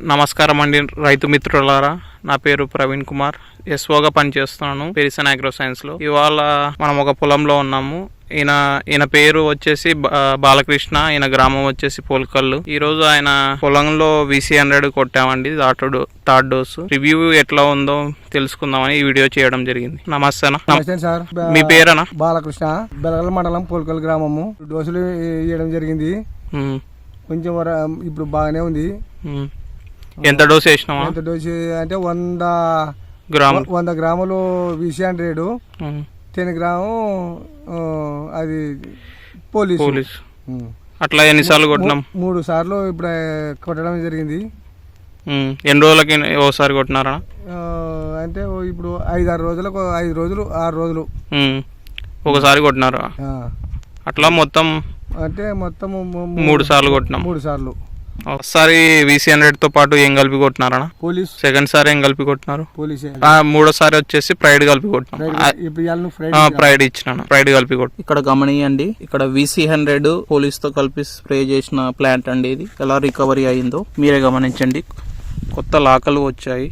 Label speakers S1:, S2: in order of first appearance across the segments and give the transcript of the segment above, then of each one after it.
S1: నమస్కారం అండి రైతు మిత్రులారా, నా పేరు ప్రవీణ్ కుమార్. ఎస్ఓగా పనిచేస్తున్నాను పెరిసన్ అగ్రో సైన్స్లో. ఇవాళ మనం ఒక పొలంలో ఉన్నాము. ఈయన పేరు వచ్చేసి బాలకృష్ణ, ఈయన గ్రామం వచ్చేసి పోల్కల్లు. ఈ రోజు ఆయన పొలంలో VC100 కొట్టామండి, థర్డ్ డోసు. రివ్యూ ఎట్లా ఉందో తెలుసుకుందామని ఈ వీడియో చేయడం జరిగింది. నమస్తే
S2: సార్.
S1: మీ పేరేనా?
S2: బాలకృష్ణ, బెలగల మండలం పోల్కల్ గ్రామము. డోసులు ఇవ్వడం జరిగింది. కొంచెం ఇప్పుడు బాగానే ఉంది.
S1: ఎంత డోసు వేసినావా?
S2: ఎంత డోసు అంటే 100 గ్రాములు VC100, 10 గ్రాము అది పోలీస్.
S1: అట్లా ఎన్నిసార్లు కొట్టినాం?
S2: 3 సార్లు ఇప్పుడు కొట్టడం జరిగింది.
S1: ఎన్ని రోజులకి ఓసారి కొట్టినారా?
S2: అంటే ఇప్పుడు 5-6 రోజులకు 5 రోజులు 6 రోజులు
S1: ఒకసారి కొట్టినారా? అట్లా మొత్తం
S2: అంటే మొత్తం
S1: 3 సార్లు కొట్టినాం.
S2: 3 సార్లు.
S1: ఒకసారి VC100 తో పాటు ఏం కలిపి కొట్టినారా?
S2: పోలీస్.
S1: సెకండ్ సారి ఏం కలిపి కొట్టినారు?
S2: పోలీస్.
S1: మూడోసారి వచ్చేసి ప్రైడ్ కలిపి కొట్టినాం. ప్రైడ్ ఇచ్చినాను, ప్రైడ్ కలిపి కొట్టి. ఇక్కడ గమనియండి, ఇక్కడ VC100 పోలీస్ తో కలిపి స్ప్రే చేసిన ప్లాంట్ అండి. ఇది ఎలా రికవరీ అయిందో మీరే గమనించండి. కొత్త లాకలు వచ్చాయి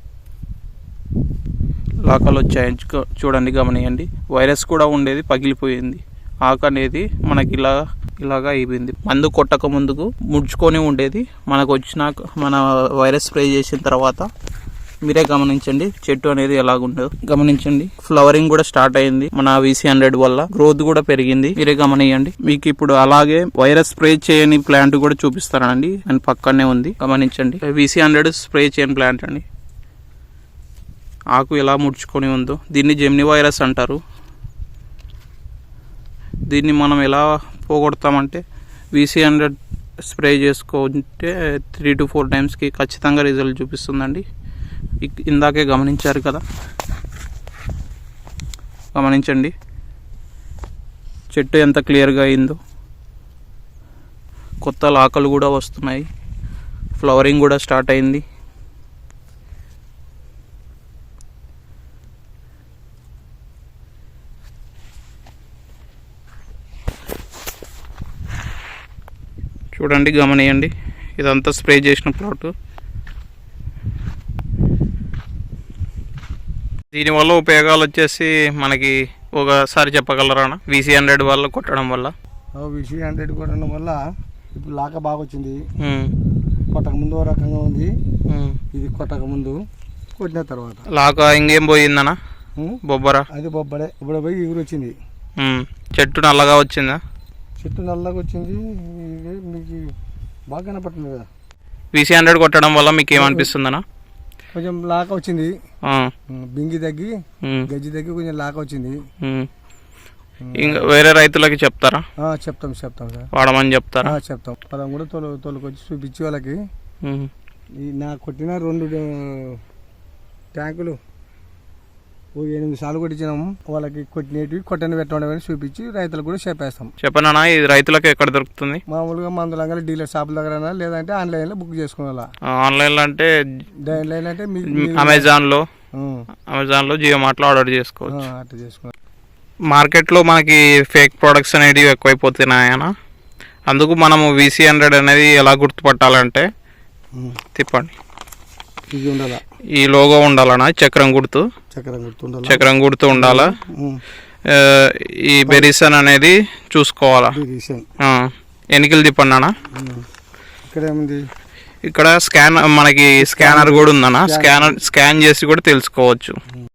S1: చూడండి, గమనియండి. వైరస్ కూడా ఉండేది, పగిలిపోయింది. ఆకు అనేది మనకి ఇలాగా అయిపోయింది. మందు కొట్టక ముందుకు ముడుచుకొని ఉండేది, మనకు వచ్చినాక మన వైరస్ స్ప్రే చేసిన తర్వాత మీరే గమనించండి చెట్టు అనేది ఎలాగుండదు. గమనించండి, ఫ్లవరింగ్ కూడా స్టార్ట్ అయింది మన VC100 వల్ల. గ్రోత్ కూడా పెరిగింది, మీరే గమనియండి. మీకు ఇప్పుడు అలాగే వైరస్ స్ప్రే చేయని ప్లాంట్ కూడా చూపిస్తానండి, అండ్ పక్కనే ఉంది, గమనించండి. VC100 స్ప్రే చేయని ప్లాంట్ అండి. ఆకు ఎలా ముడుచుకొని ఉందో, దీన్ని జెమిని వైరస్ అంటారు. దీన్ని మనం ఎలా పోగొడతామంటే VC100 స్ప్రే చేసుకుంటే 3 to 4 టైమ్స్కి ఖచ్చితంగా రిజల్ట్ చూపిస్తుందండి. ఇందాకే గమనించారు కదా, గమనించండి చెట్టు ఎంత క్లియర్గా అయిందో. కొత్త ఆకులు కూడా వస్తున్నాయి, ఫ్లవరింగ్ కూడా స్టార్ట్ అయింది. చూడండి, గమనియండి, ఇదంతా స్ప్రే చేసిన ప్లాట్. దీనివల్ల ఉపయోగాలు వచ్చేసి మనకి ఒకసారి చెప్పగలరా? VC100 వల్ల కొట్టడం వల్ల.
S2: VC100 కొట్టడం వల్ల ఇప్పుడు లాక బాగా వచ్చింది. కొట్టక ముందు ఓ రకంగా ఉంది, ఇది కొట్టక ముందు కొట్టిన తర్వాత
S1: లాక ఇంకేం పోయిందనా? బొబ్బరా?
S2: అది బొబ్బడే. ఇప్పుడు పోయి ఎగురు వచ్చింది.
S1: చెట్టు నల్లగా వచ్చిందా?
S2: చెట్టు నల్లగా వచ్చింది, మీకు బాగా కనపడుతుంది కదా.
S1: VC100 కొట్టడం వల్ల మీకు ఏమనిపిస్తుందనా?
S2: కొంచెం లాక వచ్చింది, బింగి తగ్గి గజ్జి తగ్గి కొంచెం లాక వచ్చింది.
S1: ఇంకా వేరే రైతులకి చెప్తారా?
S2: చెప్తాం సార్,
S1: వాడమని చెప్తారా?
S2: చెప్తాం. పొలం కూడా తోలుకొచ్చి చూపించి వాళ్ళకి. నా కొట్టిన 2 ట్యాంకులు 8 సార్లు కొట్టించినాము. వాళ్ళకి కొట్టినవి కొట్టని పెట్టడం చూపించి రైతులకు కూడా చెప్పేస్తాం.
S1: చెప్పనా, ఇది రైతులకు ఎక్కడ దొరుకుతుంది?
S2: మామూలుగా మందులంగా డీలర్ షాపుల దగ్గర, లేదంటే ఆన్లైన్ లో బుక్ చేసుకోవాలా.
S1: ఆన్లైన్ లో అంటే
S2: అమెజాన్
S1: లో జియో మార్ట్ లో ఆర్డర్ చేసుకోవచ్చు.
S2: అట్లా చేసుకోవాలి.
S1: మార్కెట్ లో మనకి ఫేక్ ప్రొడక్ట్స్ అనేవి ఎక్కువైపోతున్నాయనా, అందుకు మనము VC100 అనేది ఎలా గుర్తుపట్టాలంటే, తిప్పండి,
S2: ఇది ఉండాలా,
S1: ఈ లోగో ఉండాలనా, చక్రం గుర్తు ఉండాలా. ఈ బెరిసన్ అనేది చూసుకోవాలా. ఎన్నికలు తిప్పండి అన్న.
S2: ఇక్కడ ఏముంది,
S1: ఇక్కడ మనకి స్కానర్ కూడా ఉందన్నా, స్కాన్ చేసి కూడా తెలుసుకోవచ్చు.